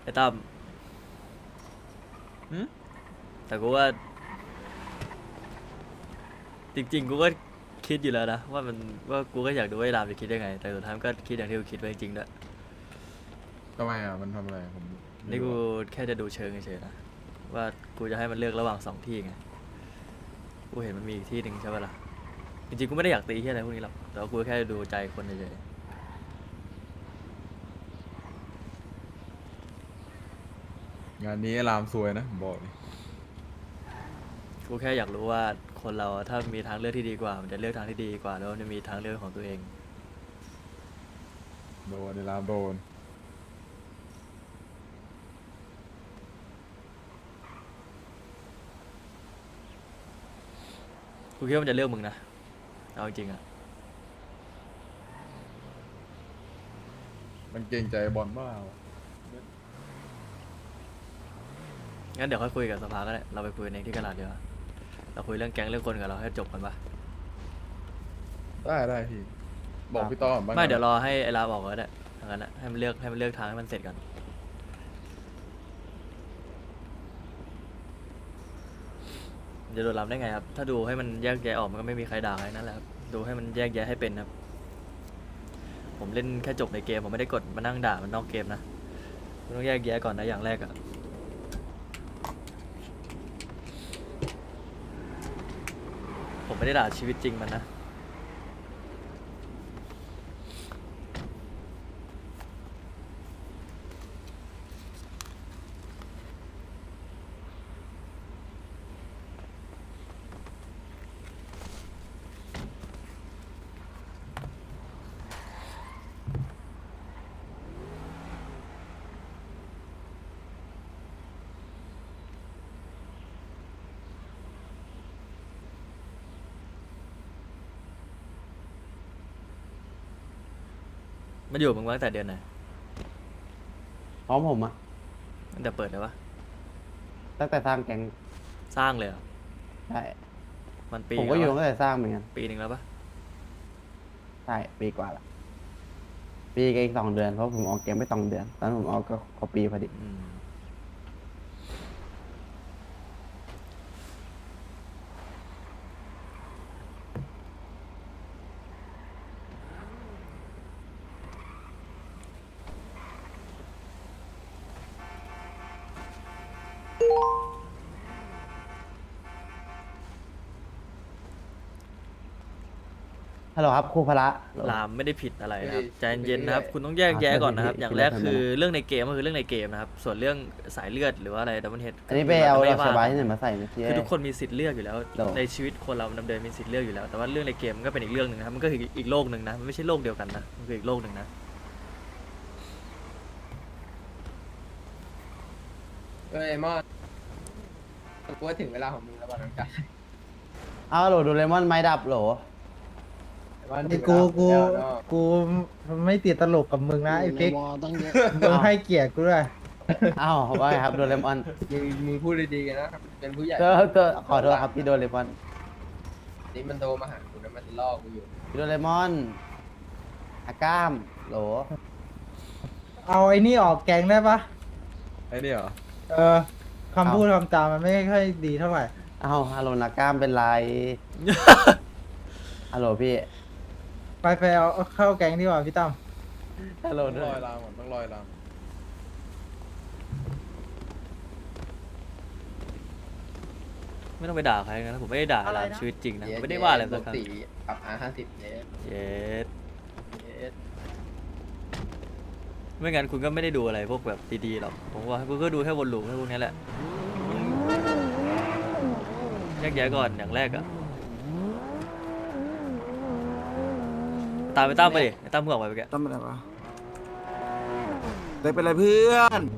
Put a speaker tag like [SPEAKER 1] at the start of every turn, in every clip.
[SPEAKER 1] ไอ้ตั้มแต่กูว่าจริงๆกูก็คิดอยู่แล้วนะว่ากูก็อยากดูว่าไอ้รามจะคิดยังไงแต่สุดท้ายมันก็คิดอย่างที่กูคิดไว้จริงๆด้วย
[SPEAKER 2] ทำไมอ่ะมันทำอะไรผม
[SPEAKER 1] นี่กูแค่จะดูเชิงเฉยๆนะว่ากูจะให้มันเลือกระหว่าง2ที่ไงกูเห็นมันมีอีกที่หนึ่งใช่ปะล่ะจริงๆกูไม่ได้อยากตีที่อะไรพวกนี้หรอกแต่ว่ากูแค่ดูใจคนเฉย
[SPEAKER 2] งานนี้รามซวยนะผมบอกเลย
[SPEAKER 1] ๆกูแค่อยากรู้ว่าคนเราถ้ามีทางเลือกที่ดีกว่ามันจะเลือกทางที่ดีกว่าแล้วมันจะมีทางเลือกของตัวเอง
[SPEAKER 2] โดนในรามโดน
[SPEAKER 1] กูคิดว่ามันจะเลือกมึงนะเอาจริงๆอะ
[SPEAKER 2] มันเกรงใจบอลบ้า
[SPEAKER 1] งั้นเดี๋ยวค่อยคุยกับสภาก็ได้เราไปคุยกันเองที่กระดาษเดียวาเราคุยเรื่องแก๊งเรื่องคนกับเราให้จบกันปะ
[SPEAKER 2] ได้พี่บอกพี่ต้อมบ้างนะ
[SPEAKER 1] ไม่เดี๋ยวรอให้ไอ้ลาบอกก็ได้ทางนั้นนะให้มันเลือกทางให้มันเสร็จก่อนจะโดนรับได้ไงครับถ้าดูให้มันแยกแยะออกมันก็ไม่มีใครด่าใครนั่นแหละครับดูให้มันแยกแยะให้เป็นครับผมเล่นแค่จบในเกมผมไม่ได้กดมานั่งด่ามันนอกเกมนะคุณต้องแยกแยะก่อนนะอย่างแรกอะผมไม่ได้ด่าชีวิตจริงมันนะ มันอยู่กับมึงมาตั้งแต่เดือนไหน
[SPEAKER 3] พร้อมผมอะ
[SPEAKER 1] ตั้งแต่เปิดเลยวะ
[SPEAKER 3] ตั้งแต่สร้างแก๊ง
[SPEAKER 1] สร้างเลยเหรอ
[SPEAKER 3] ใช่
[SPEAKER 1] มันปี
[SPEAKER 3] ผมก็อยู่
[SPEAKER 1] แล้ว
[SPEAKER 3] ตั้งแต่สร้างเหมือนกัน
[SPEAKER 1] ปีหนึ่งแล้วปะ
[SPEAKER 3] ใช่ปีกว่าละปีกับอีก2 เดือนเพราะผมออกแก๊งไป2 เดือนตอนนนผมออกก็ครบปีพอดี ฮัลโหลครับครูพละฮัลโหล
[SPEAKER 1] ลามไม่ได้ผิดอะไรนะครับใจเย็นๆนะครับคุณต้องแยกแยะก่อนนะครับ อย่างแรกคือเรื่องในเกมก็คือเรื่องในเกมนะครับส่วนเรื่องสายเลือดหรือว่าอะไรดับเบิลเฮด
[SPEAKER 3] อันนี้ไปเอา
[SPEAKER 1] ไม่
[SPEAKER 3] ดอก
[SPEAKER 1] ว่า
[SPEAKER 3] สบายที่ไหนมาใส่เมื่อกี้
[SPEAKER 1] คือทุกคนมีสิทธิ์เลือกอยู่แล้ว
[SPEAKER 3] โด
[SPEAKER 1] ในชีวิตคนเราดำเนินมีสิทธิ์เลือกอยู่แล้วแต่ว่าเรื่องในเกมมันก็เป็นอีกเรื่องหนึ่งนะครับมันก็คืออีกโลกหนึ่งนะมันไม่ใช่โลกเดียวกันนะมันคืออีกโลกหนึ่งนะ
[SPEAKER 4] เอ้ยมอนกูว่าถึงเวลาของมึงแล้วป่ะน้องจ๊ะ
[SPEAKER 3] เอาโหลดูเลมอนไม้ดับโหล
[SPEAKER 4] มอน
[SPEAKER 5] ไอ้
[SPEAKER 4] ถึง
[SPEAKER 5] กู
[SPEAKER 4] เวลาของมึงแล้วเนอะ
[SPEAKER 5] กูไม่ติดตลกกับมึงนะไอ้ฟิก
[SPEAKER 6] ตั้งเยอะ
[SPEAKER 5] มึงให้เกียรติกูด้วย
[SPEAKER 3] อ้าวว่าไงครับโดเรมอน
[SPEAKER 4] มึงพูดดีๆกันนะเป็นผู้ใหญ่
[SPEAKER 3] ก็ขอโทษครับพี่โดเรมอน
[SPEAKER 4] นี่มันโทรมาหากูนะมันล่อกูอยู่
[SPEAKER 3] พี่โดเรมอนอาก้ามโหล
[SPEAKER 5] เอาไอ้นี่ออกแกงได้ปะ
[SPEAKER 2] ไอ้นี่เหรอ
[SPEAKER 5] เออคำพูดคำจามันไม่ค่อยดีเท่าไหร่
[SPEAKER 3] อ้าวฮัลโหลนาก้ามเป็นไร ฮัลโหลพี่
[SPEAKER 5] ไปเอาเข้าแกงดีกว่าพี่ตั้ม
[SPEAKER 3] ฮัลโหล
[SPEAKER 2] ต้องลอยรามก่อนต้องลอยราม
[SPEAKER 1] ไม่ต้องไปด่าใครนะผมไม่ได้ด่าลามชีวิตจริงนะผมไม่ได้ว่าอะไรสักครั้ง
[SPEAKER 4] ปกติปรับR50เยส
[SPEAKER 1] เย็ด
[SPEAKER 4] เยส
[SPEAKER 1] ไม่งั้นคุณก็ไม่ได้ดูอะไรพวกแบบดีๆหรอกผมว่าคุณก็ดูแค่วนลูปแค่พวกนี้แหละแยกแยะก่อนอย่างแรกอะตามไปตั้มไปดิไอ้ตั้มเพิ่งออกไปเมื่อกี้
[SPEAKER 6] ตั้งอะไรวะเด็กเป็นไรเพื่อน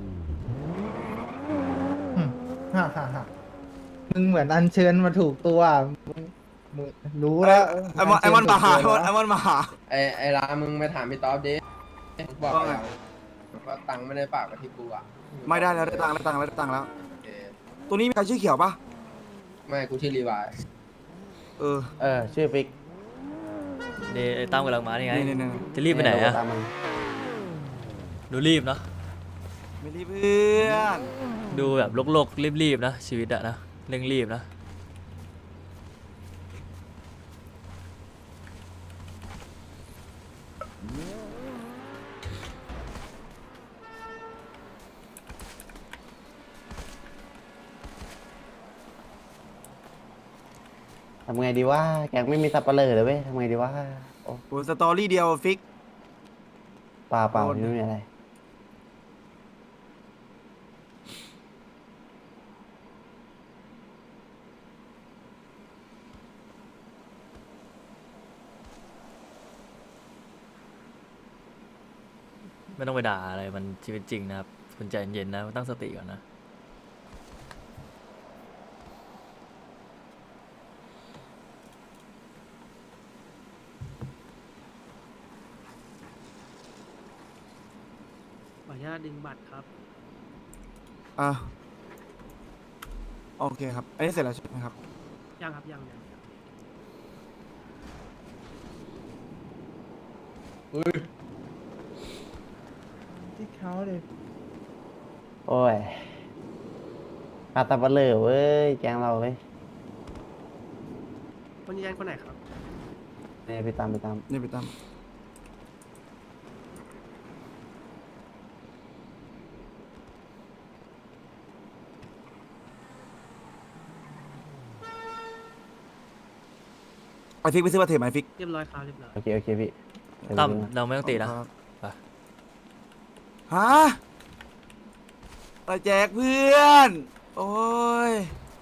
[SPEAKER 5] ฮ่าฮ่าฮ่ามึงเหมือนอัญเชิญมาถูกตัวมึงรู้แล้ว
[SPEAKER 6] ไอ้มอนมาหาไอ้มอนมาหา
[SPEAKER 4] ไอ้ร้านมึงไปถามพี่ต๊อบดิมึงบอก
[SPEAKER 6] ว่าไง
[SPEAKER 4] เราว่าตังค์ไม่ได้ฝากมาที่กูอ่ะ
[SPEAKER 6] ไม่ได้แล้วได้ตังค์แล้วได้ตังค์แล้ว
[SPEAKER 4] เออ
[SPEAKER 6] ตัวนี้มีใครชื่อเขียวปะ
[SPEAKER 4] ไม่กูชื่อรีวาย
[SPEAKER 6] เออ
[SPEAKER 3] ชื่อฟิก
[SPEAKER 1] นี่ไอ้ตั้มกำลังมานี่ไง
[SPEAKER 6] นี่
[SPEAKER 1] จะรีบไปไหนอะ
[SPEAKER 3] ตามมา
[SPEAKER 1] ดูรีบเนาะ
[SPEAKER 6] ไม่รีบเพื่อน
[SPEAKER 1] ดูแบบโลกๆรีบๆนะชีวิตอะนะเร่งรีบนะ
[SPEAKER 3] ทำไงดีว่าแกงไม่มีสับปะเลอเลยเว้ยทำไงดีว่าโอ้
[SPEAKER 6] โอ้สตอรี่เดียวฟิก
[SPEAKER 3] เปล่าเปล่า
[SPEAKER 6] โดน
[SPEAKER 3] ไม่มีอะไร
[SPEAKER 1] ไม่ต้องไปด่าอะไรมันชีวิตจริงนะครับคุณใจเย็นๆนะตั้งสติก่อนนะ
[SPEAKER 7] ขออนุญาตดึงบัตรครับ
[SPEAKER 6] อ่ะโอเคครับอันนี้เสร็จแล้วใช่ไหมครับ
[SPEAKER 7] ยังครับยัง
[SPEAKER 5] ที่เขาเลย
[SPEAKER 3] โอ้ยขาดสับปะเลอเว้ยแกงเราเว้ย
[SPEAKER 7] คนยืนยันคนไหนครับ
[SPEAKER 3] เนี่ยไปตาม
[SPEAKER 6] นี่ไปตาม ไอฟิกไปซื้อมาเทปไหมฟิก
[SPEAKER 7] เรียบร้อยครับเรียบร้อย
[SPEAKER 3] โอเคพี่เดี๋ยว
[SPEAKER 1] ตั้ม
[SPEAKER 3] ไปดูนะ
[SPEAKER 1] เราไม่ต้องตีนะ
[SPEAKER 6] ครับ
[SPEAKER 1] ไป
[SPEAKER 6] ฮะไปแจกเพื่อน โอ้ย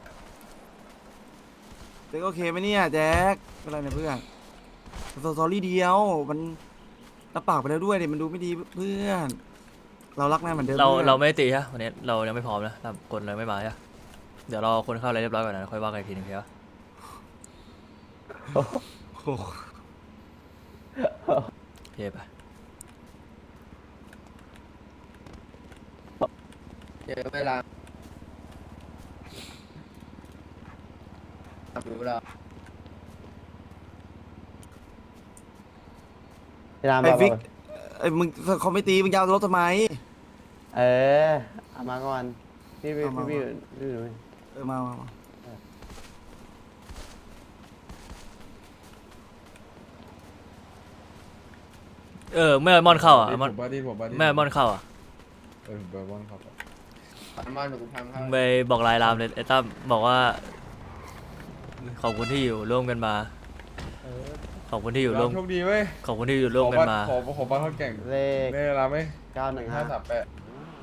[SPEAKER 6] แจ็คโอเคไหมเนี่ยแจ็คเป็นไรเนี่ยเพื่อนสตอรี่เดียวมันรับปากไปแล้วด้วยเนี่ยมันดูไม่ดีเพื่อน เรารักแน่เหมือนเดิม
[SPEAKER 1] เรา
[SPEAKER 6] พื่อน
[SPEAKER 1] เราไม่ได้ตีฮะวันนี้เรายังไม่พร้อมนะคนเลยไม่มาฮะเดี๋ยวรอคนเข้าอะไรเรียบร้อยก่อนนะค่อยว่ากันอีกทีหนึงครับ
[SPEAKER 6] โอ้โห
[SPEAKER 1] โอเคไป
[SPEAKER 4] เจอเวลาดูเวลา
[SPEAKER 3] พี่ราม
[SPEAKER 6] ไอ
[SPEAKER 3] บอก
[SPEAKER 6] ฟิกไอมึงเขาไม่ตีมึงยาวรถทำไม
[SPEAKER 3] เออเอามาก่อนพี่
[SPEAKER 6] เอามา
[SPEAKER 3] ดู
[SPEAKER 6] เออมา
[SPEAKER 1] เมื่อมอนเข้าอ่ะ
[SPEAKER 2] ผม
[SPEAKER 1] มอน
[SPEAKER 2] บ้าดีผมบ้าดี
[SPEAKER 1] แม่มอนเข้าอ่ะ
[SPEAKER 2] ผมไปบ้านครับ
[SPEAKER 4] อันมอนหนูทำ
[SPEAKER 1] มึ
[SPEAKER 4] เข้าง
[SPEAKER 1] ไปบอกลายรามเลยไอ้ตั้มบอกว่าขอบคุณที่อยู่ร่วมกันมา
[SPEAKER 5] เออ
[SPEAKER 1] ขอบคุณที่อยู่ร่วม
[SPEAKER 2] โชคดีเว้ย
[SPEAKER 1] ขอบคุณที่อยู่ร่วมกันมา
[SPEAKER 2] ขอบ้านเขาแก่ง
[SPEAKER 3] เลข
[SPEAKER 2] ได้เวลาไหม
[SPEAKER 3] 915
[SPEAKER 2] 538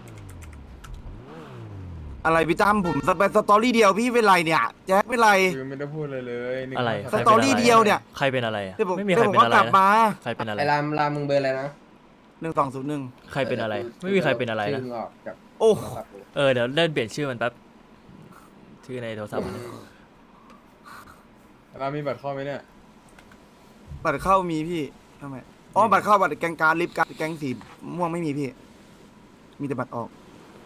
[SPEAKER 6] อะไรพี่ตั้มผมไปสตอรี่เดียวพี่เป็นไรเนี่ยแจ็คเป็นไร
[SPEAKER 2] คือไม่ได้พูดเลยเลย1
[SPEAKER 1] อะไร
[SPEAKER 6] สตอรี่เดียวเนี่ย
[SPEAKER 1] ใครเป็นอะไรอะ
[SPEAKER 6] เดี๋ยวผม
[SPEAKER 1] ไม่มีใคร
[SPEAKER 6] เดี๋ยวผม
[SPEAKER 1] เป็น
[SPEAKER 6] ก็
[SPEAKER 1] อะไร
[SPEAKER 6] กลับ
[SPEAKER 1] นะ
[SPEAKER 6] มา
[SPEAKER 1] ใครเป็นอะไร
[SPEAKER 4] ไอ้รามมึงเบอร์อะไรนะ
[SPEAKER 6] 1201
[SPEAKER 1] ใครเป็นอะไร ไม่มีใครเป็นอะไรนะ
[SPEAKER 4] ชื่อออกจาก
[SPEAKER 6] โอ้
[SPEAKER 4] โทรศัพท์กู
[SPEAKER 1] เดี๋ยวเล่นเปลี่ยนชื่อมันแป๊บชื่อในโทรศัพท์มัน
[SPEAKER 2] เรามีบัตรเข้าไหมเนี่ย
[SPEAKER 6] บัตรเข้ามีพี่ทำไมอ๋อบัตรเข้าบัตรแกงการลิฟต์การแกงสีม่วงไม่มีพี่ มีแต่บัตรออก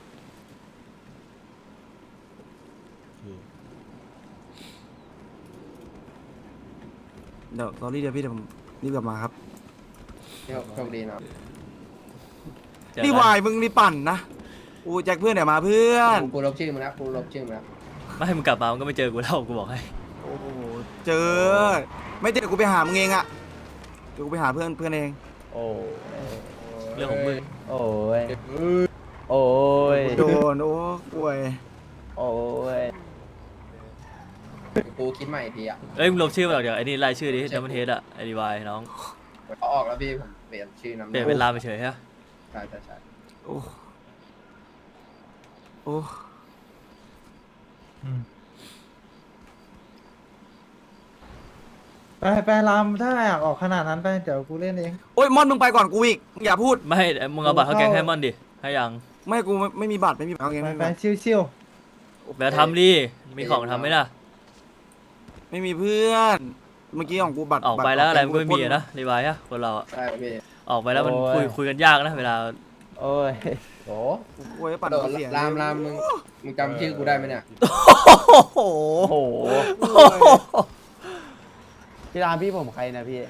[SPEAKER 6] เดี๋ยวสตอรี่เดียวพี่เดี๋ยวผมรีบกลับมาครับ
[SPEAKER 4] โชคดีเนาะ
[SPEAKER 1] เจอ
[SPEAKER 6] นี่
[SPEAKER 1] กัน
[SPEAKER 6] วายมึงนี่ปั่นนะอูแจ็คเพื่อนเดี๋ยวมาเพื่อน
[SPEAKER 4] กูลบชื่อมึงแล้วกูลบชื่อมึงแล้ว
[SPEAKER 1] ไม่ให้มึงกลับมามึงก็ไม่เจอกูแล้วกูบอกให้
[SPEAKER 6] โอ้โหเจอ ไม่เจอกูไปหามึงเองอะเดี๋ยวกูไปหาเพื่อนเอง
[SPEAKER 3] โอ้ย
[SPEAKER 1] เรื่องของมึง
[SPEAKER 3] โอ้ย
[SPEAKER 2] เอ้ย
[SPEAKER 3] โอ้ย
[SPEAKER 6] โดนโอ้ป่วย
[SPEAKER 3] โอ้ย
[SPEAKER 4] กูคิดใหม่อีกทีอ่ะ
[SPEAKER 1] มึงลบชื่อมาเดี๋ยวไอ้นี่ไล่ชื่อดิดัมเบิลเฮดอะไอดีวายน้อง
[SPEAKER 4] เขาออกแล้วพี่ผมเปลี่ยนชื่อนาม
[SPEAKER 1] เปลี่ยนเป็นรามไปเฉยฮะ
[SPEAKER 4] ใช่ใช่ใช่
[SPEAKER 6] โอ้โอ้
[SPEAKER 5] ไปรามถ้าอยากออกขนาดนั้นไปเดี๋ยวกูเล่นเอง
[SPEAKER 6] โอ้ยมอนมึงไปก่อนกูอีกมึงอย่าพูด
[SPEAKER 1] ไม่ให้มึงเอาบัตรเขาแกงให้มอนดิให้ยัง
[SPEAKER 6] ไม่กูไม่มีบัตรไม่มีบัตรเอาเอง
[SPEAKER 5] ไป
[SPEAKER 6] ไม่มี
[SPEAKER 5] ไป
[SPEAKER 6] บัตร
[SPEAKER 5] ชิว
[SPEAKER 1] แล้วทำดิมีของทำไหมล่ะ
[SPEAKER 6] ไม่มีเพื่อน เมื่อกี้ของกูบัตร
[SPEAKER 1] ออกไปแล้วอะไรมันก็ไม่มีอะนะดีวายอะคนเราอะ
[SPEAKER 4] ใช่พี่
[SPEAKER 1] ออกไปแล้วมันคุยกันยากนะเวลา
[SPEAKER 3] โอ้ย
[SPEAKER 5] ๆโห
[SPEAKER 6] โอ้ยปั่น
[SPEAKER 4] โดน
[SPEAKER 6] เสีย
[SPEAKER 4] รามมึงจำชื่อกูได้ไหมเนี่ย
[SPEAKER 1] โอ้โห
[SPEAKER 3] โอ้โหพี่รามพี่ผมใครนะพี่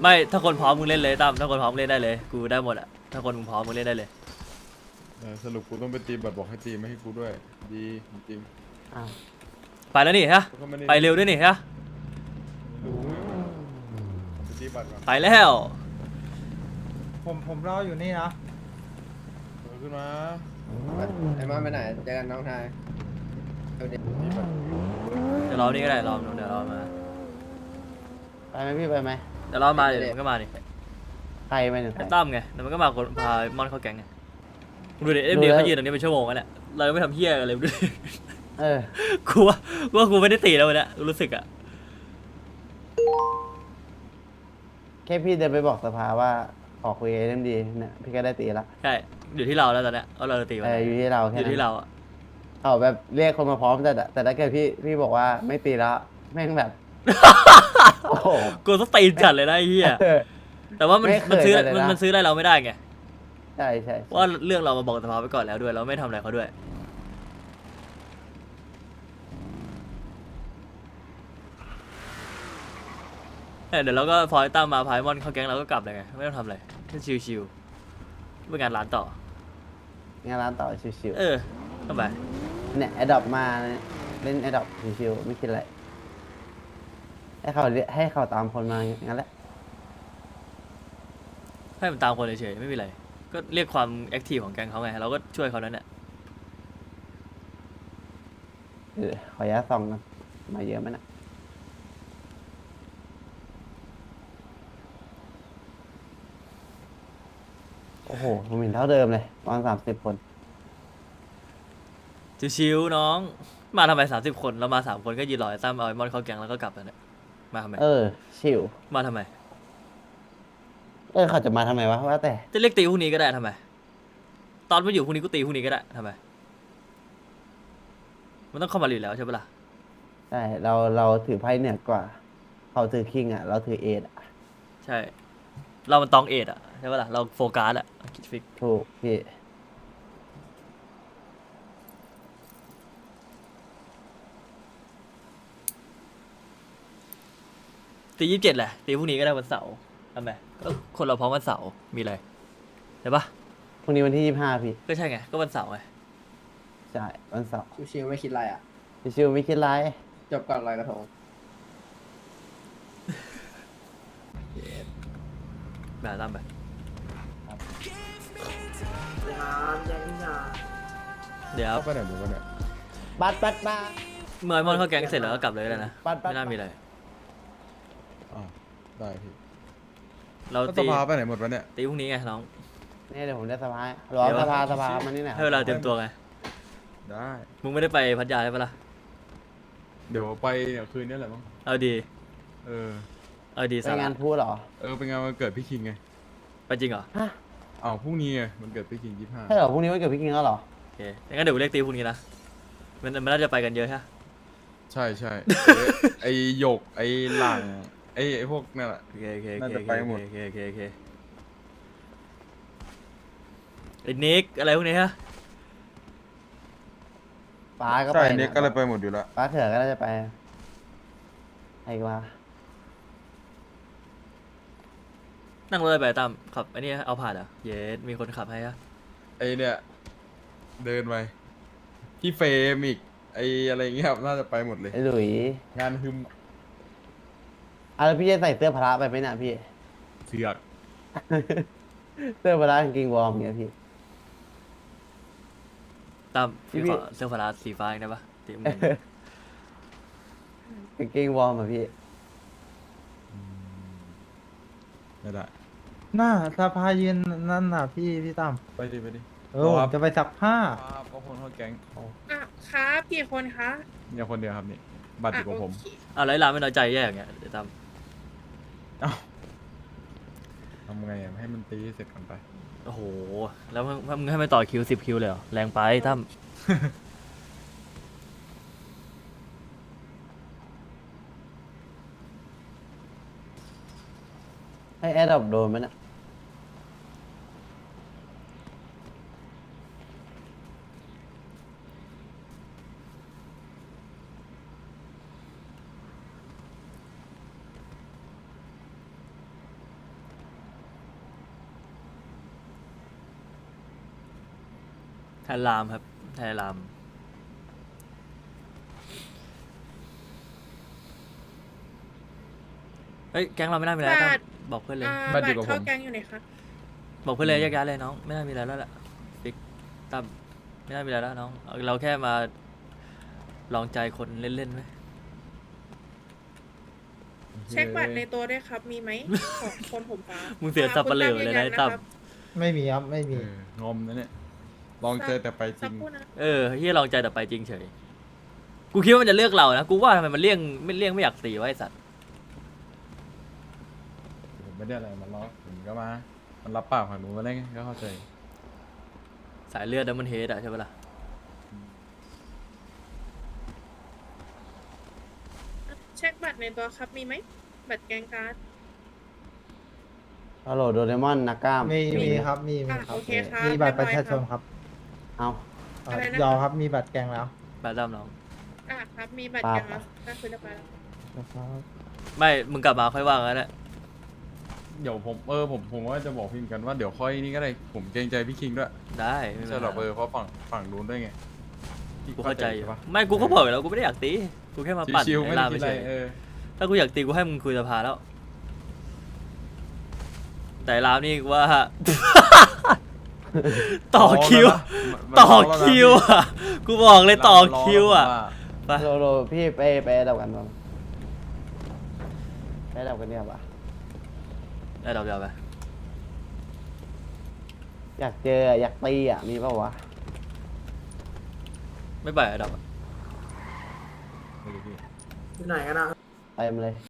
[SPEAKER 1] ไม่ถ้าคนพร้อมมึงเล่นเลยตั้มถ้าคนพร้อมเล่นได้เลยกูได้หมดอะถ้าคนมึงพร้อมมึงเล่นได้เลย
[SPEAKER 2] สรุปกูต้องไปตีบัตรบอกให้ตีไม่ให้กูด้วย ดีจริง
[SPEAKER 3] อ้าว
[SPEAKER 1] ไปแล้วนี่ฮะ
[SPEAKER 2] ๆก็ม่ด้
[SPEAKER 1] ไปเร็วด้วยนี่ฮะ
[SPEAKER 2] รู้ไปตีบัตรก่อน
[SPEAKER 1] ไปแล้ว
[SPEAKER 5] ผมรออยู่นี่นะ
[SPEAKER 2] ขึ้นมา
[SPEAKER 4] ไอ้มอนไปไหนเจอกันน้องชายเดี๋ยว
[SPEAKER 2] ตีบัตร
[SPEAKER 1] เดี๋ยวรอนี่ก็ได้รอเดี๋ยวรอมา
[SPEAKER 3] ไปไหมพี่ไปไหม
[SPEAKER 1] เดี๋ยวรอมาเดี๋ยวมันก็มาดิ
[SPEAKER 3] ใครไปหนึ่งใคร
[SPEAKER 1] ตั้มไงเดี๋ยวมันก็มาคนพามอนเข้าแก๊งไงมึงดูดิเอ็มดีเขายืนตรงนี้เป็นชั่วโมงแล้วเนี่ยเรายังไม่ทำเฮี้ยกันเลยดูดิ
[SPEAKER 3] เออ
[SPEAKER 1] กูว่ากูไม่ได้ตีแล้ววันเนี้ยกูรู้สึกอะ
[SPEAKER 3] แค่พี่เดินไปบอกสภาว่าขอคุยเรื่องดีเนี่ยพี่ก็ได้ตีละ
[SPEAKER 1] ใช่อยู่ที่เราแล้วตอนเนี้ยเอาเราตีวัน
[SPEAKER 3] อยู่ที่เรา
[SPEAKER 1] อ
[SPEAKER 3] แค่
[SPEAKER 1] ยู่
[SPEAKER 3] นั้น
[SPEAKER 1] ที่เราอะ
[SPEAKER 3] เอาแบบเรียกคนมาพร้อมแต่ถ้าเกิดพี่บอกว่าไม่ตีแล้วแม่งแบบ โอ้โห
[SPEAKER 1] กูต้องตีจัดเลยนะไอ้เหี้ย
[SPEAKER 3] เออ
[SPEAKER 1] แต่ว่ามัน
[SPEAKER 3] ไม่เคย
[SPEAKER 1] มันซื้อ
[SPEAKER 3] เลยนะ
[SPEAKER 1] มันซื้อได้เราไม่ได้ไง
[SPEAKER 3] ใช่ใช่
[SPEAKER 1] เพราะว่าเรื่องเรามาบอกสภาไปก่อนแล้วด้วยเราไม่ทำอะไรเขาด้วยเดี๋ยวเราก็พอไอ้ตั้มมาพายมอนเข้าแก๊งเราก็กลับเลยไงไม่ต้องทำอะไรแค่ชิวๆเป็นงานร้านต่อ
[SPEAKER 3] งานร้านต่อชิว
[SPEAKER 1] เออเข้าไป
[SPEAKER 3] ๆเนี่ยแอดดอปมาเล่นแอดดอปชิวๆไม่คิดอะไรให้เขาตามคนมางั้นแหละ
[SPEAKER 1] ให้มันตามคนเฉยๆไม่มีอะไรก็เรียกความแอคทีฟของแก๊งเขาไงเราก็ช่วยเขานั้นแหละ
[SPEAKER 3] ขออนุญาตส่องกันมาเยอะไหมนะโอ้โหผมเห็นเท่าเดิมเลยตอน30 คน
[SPEAKER 1] ชิวๆน้องมาทำไม30 คนเรามา3 คนก็ยืนรอไอ้ตั้มเอาไอ้มอนเข้าแก๊งแล้วก็กลับแล้วเนี่ยมาทำไม
[SPEAKER 3] ชิว
[SPEAKER 1] มาทำไม
[SPEAKER 3] เขาจะมาทำไมวะว่าแต่
[SPEAKER 1] จะเรียกตีพรุ่งนี้ก็ได้ทำไมตอนมาอยู่พรุ่งนี้ก็ตีพรุ่งนี้ก็ได้ทำไมมันต้องเข้ามาอยู่แล้วใช่ปะล่ะ
[SPEAKER 3] ใช่เราถือไพ่เหนือกว่า เขาถือคิงอ่ะ เราถือเอทอ่ะ
[SPEAKER 1] ใช่เรามันตองเอ็ดอะใช่ปะล่ะเราโฟกัสอะคิดฟิก
[SPEAKER 3] ถูกพี่
[SPEAKER 1] ตี27แหละตีพรุ่งนี้ก็ได้วันเสาร์ทำไมก็คนเราพร้อมวันเสาร์มีอะไรใช่ปะ
[SPEAKER 3] พรุ่งนี้วันที่25พี่
[SPEAKER 1] ก็ใช่ไงก็วันเสาร์ไง
[SPEAKER 3] ใช่วันเสาร์
[SPEAKER 4] ชิวๆไม่คิดอะไรอ่ะ
[SPEAKER 3] ชิวๆไม่คิดไร
[SPEAKER 4] จบก่อนลอยกระทง
[SPEAKER 1] แบบตั้มไป เดี๋ยว
[SPEAKER 2] เข้าไปไหนมึงวะเนี่ย
[SPEAKER 3] บัตร
[SPEAKER 1] เมื่อไอมอนเข้าแก๊งเสร็จแล้วก็กลับเลยแล้วนะ
[SPEAKER 3] บัตร
[SPEAKER 1] ไม่น่ามีอะไร
[SPEAKER 2] อ้าวได้พี่
[SPEAKER 1] เรา
[SPEAKER 2] ก็ส
[SPEAKER 1] ตี
[SPEAKER 2] ภาไปไหนหมดวะเนี่ย
[SPEAKER 1] ตีพรุ่งนี้ไงน้อง
[SPEAKER 3] นี่เดี๋ยวผมได้สภารอสภามานี่หน่อย
[SPEAKER 1] ให้เวลาเตรียมตัวไง
[SPEAKER 2] ได้
[SPEAKER 1] มึงไม่ได้ไปพัทยาใช่ปะล่ะ
[SPEAKER 2] เดี๋ยวไปเนี่ยคืนนี้แหละมั้ง
[SPEAKER 1] เอาดี
[SPEAKER 2] เออ
[SPEAKER 1] เอาดี
[SPEAKER 3] ไป
[SPEAKER 1] สาระ
[SPEAKER 3] งานพูดเหรอ
[SPEAKER 2] เป็นงานวันเกิดพี่คิงไง
[SPEAKER 1] ไปจริงเหรอ
[SPEAKER 3] ฮะ
[SPEAKER 2] อ้าวพรุ่งนี้ไงมันเกิดพี่คิง25
[SPEAKER 3] ใช่เหรอพรุ่งนี้วันเกิดพี่กิงแล้วเหรอ
[SPEAKER 1] โอเคงั้นเดี๋ยวกูเรียกตีพรุ่งนี้นะมันน่าจะไปกันเยอะใช่ปะ
[SPEAKER 2] ใช่ใช่ ไอหยกไอหลังไอพวกนั่นแหละ
[SPEAKER 1] โอเคโอเคโอ
[SPEAKER 2] น่า
[SPEAKER 1] เค
[SPEAKER 2] จะไปหมด
[SPEAKER 1] โอเคโอเคโอเคไอ้นิกอะไรพวกนี้ฮะ
[SPEAKER 3] ป้าก็
[SPEAKER 2] ใช่
[SPEAKER 3] ไป
[SPEAKER 2] เน็กก็เลยไปหมดอยู่แล้ว
[SPEAKER 3] ป้าเถื่อก็น่าจะไปไอ้ว่า
[SPEAKER 1] นั่งรถไปตามขับไอ้นี่เอาผ่านเหรอเยสมีคนขับให้ฮะ
[SPEAKER 2] ไอเนี่ยเดินไปพี่เฟรมอีกไออะไรเงี้ยครับน่าจะไปหมดเลย
[SPEAKER 3] ไอ้หลุย
[SPEAKER 2] งานฮึม
[SPEAKER 3] แล้วพี่จะใส่เสื้อพละไปไหมน่ะพี่
[SPEAKER 2] เสือก
[SPEAKER 3] เสื้อพละกางเกงวอร์มเงี้ยพี่
[SPEAKER 1] ตามพี่
[SPEAKER 3] พี่
[SPEAKER 1] ขอเสื้อฟ้าสีฟ้าอีกได้ปะตีมึง
[SPEAKER 3] กางเกงวอร์มอ่ะพี่
[SPEAKER 2] ไม่ได้
[SPEAKER 5] หน้าสภายืนนั่นน่ะพี่ตั้ม
[SPEAKER 2] ไปดิไปดิ
[SPEAKER 5] ผมจะไปซักผ้า
[SPEAKER 2] ครับก็คนเข้าแก๊ง
[SPEAKER 8] อ่ะครับกี่คนคะ
[SPEAKER 2] เนี่ยคนเดียวครับนี่บัตรอยู่กับผม
[SPEAKER 8] โอเค
[SPEAKER 1] อะไรร้านไม่น้อยใจแย่อย่างเงี้ยเดี๋ยวตาม
[SPEAKER 2] เอ้าทำไงอะให้มันตีให้เสร็จก่อนไป
[SPEAKER 1] โอ้โหแล้วมึงให้ไปต่อคิว10 คิวเลยเหรอแรงไปตั้ม
[SPEAKER 3] ให้แอดดอปโดนไหมน่ะ
[SPEAKER 1] นรามครับแทนรามเฮ้ยแก๊งเราไม่น่ามีอะไรแล้วตั้มบอกเพื่อนเลย
[SPEAKER 2] บั
[SPEAKER 8] บั
[SPEAKER 2] ต
[SPEAKER 8] ต
[SPEAKER 2] รอยู่
[SPEAKER 8] ร
[SPEAKER 2] กับผม
[SPEAKER 8] เข้าแก๊งอยู่ไหนคะ
[SPEAKER 1] บอกเพื่อนเลยแยกย้ายเลยน้องไม่น่ามีอะไรแล้วแหละปิ๊กตั้มไม่น่ามีอะไรแล้วน้องเราแค่มาลองใจคนเล่นๆไหม
[SPEAKER 8] เช็คบัตรในตัวด้วยครับ มีไหม ของคนผมฟ้า
[SPEAKER 1] มึงเสียสับปะเหร่อเลยนะไอ้ตั้ม
[SPEAKER 5] ไม่มีครับไม่มี
[SPEAKER 2] งอมนะเนี่ย ลองเจอแต่ไปจ
[SPEAKER 8] สั
[SPEAKER 2] ริ
[SPEAKER 8] ก
[SPEAKER 2] ง
[SPEAKER 8] ครู่นะ
[SPEAKER 1] เฮียลองใจแต่ไปจริงเฉยกูคิดว่ามันจะเลือกเรานะกูว่าทำไมมันเลี่ยงไม่อยากตีวะไอ้สัตว์
[SPEAKER 2] ผมไม่ได้อะไรมันล้อผมก็มา มันรับปากฝั่งหนูมาได้ไงก็เข้าใจ
[SPEAKER 1] สายเลือดดัมเบิลเฮดอะใช่ปะล่ะ
[SPEAKER 8] เช็คบัตรในตัวครับ มีไหม บัตรแกงการ์ด
[SPEAKER 3] ฮัลโหลโดเรมอนนักกล้าม
[SPEAKER 5] มีครับมี
[SPEAKER 8] อ่ะ
[SPEAKER 5] ครับ
[SPEAKER 8] โอเคครับ
[SPEAKER 5] มีบัตรประชาชน
[SPEAKER 8] เยบอย
[SPEAKER 5] ครับ
[SPEAKER 3] เอา
[SPEAKER 8] อะไรนะ
[SPEAKER 5] ยอมครับมีบัตรแกงแล้ว
[SPEAKER 1] บาดดัมน้อง
[SPEAKER 8] ครับ มีบัตรแกงแล้วก็คือเรียบร้อยแล้ว
[SPEAKER 1] ไม่มึงกลับมาค่อยว่างแล้วนะ
[SPEAKER 2] เดี๋ยวผมว่าจะบอกพี่เหมือนกันว่าเดี๋ยวค่อยนี่ก็ได้ ผมเกรงใจพี่คิงด้วย
[SPEAKER 1] ได้ไม่
[SPEAKER 2] ไม่
[SPEAKER 1] เป็น
[SPEAKER 2] ใช่หรอก
[SPEAKER 1] ไร
[SPEAKER 2] เพราะฝั่งนู้นด้วยไงพี่
[SPEAKER 1] กูเข้าใจอยู่
[SPEAKER 2] ปะ
[SPEAKER 1] ไม่กูก็บอกอยู่แล้วกูไม่ได้อยากตีกูแค่มาปั่น
[SPEAKER 2] ชิวๆไม่
[SPEAKER 1] ไอ้
[SPEAKER 2] ได้
[SPEAKER 1] ลาม
[SPEAKER 2] คิ
[SPEAKER 1] ไป
[SPEAKER 2] ดอะไร
[SPEAKER 1] เฉย ถ้ากูอยากตีกูให้มึงคุยสภาแล้ว แต่ลามนี่กูว่า ต่อคิว ต่อคิวอ่ะ กูบอกเลยต่อคิวอ่ะ ไป
[SPEAKER 3] โลพี่ไปดับกันบ้างไปดับกันเนี่ยปะ
[SPEAKER 1] ได้ดอกเดียวไป
[SPEAKER 3] อยากเจออยากตีอ่ะมีป่าวะ
[SPEAKER 1] ไม่ไปอะดอกอะ
[SPEAKER 3] เต็มเลย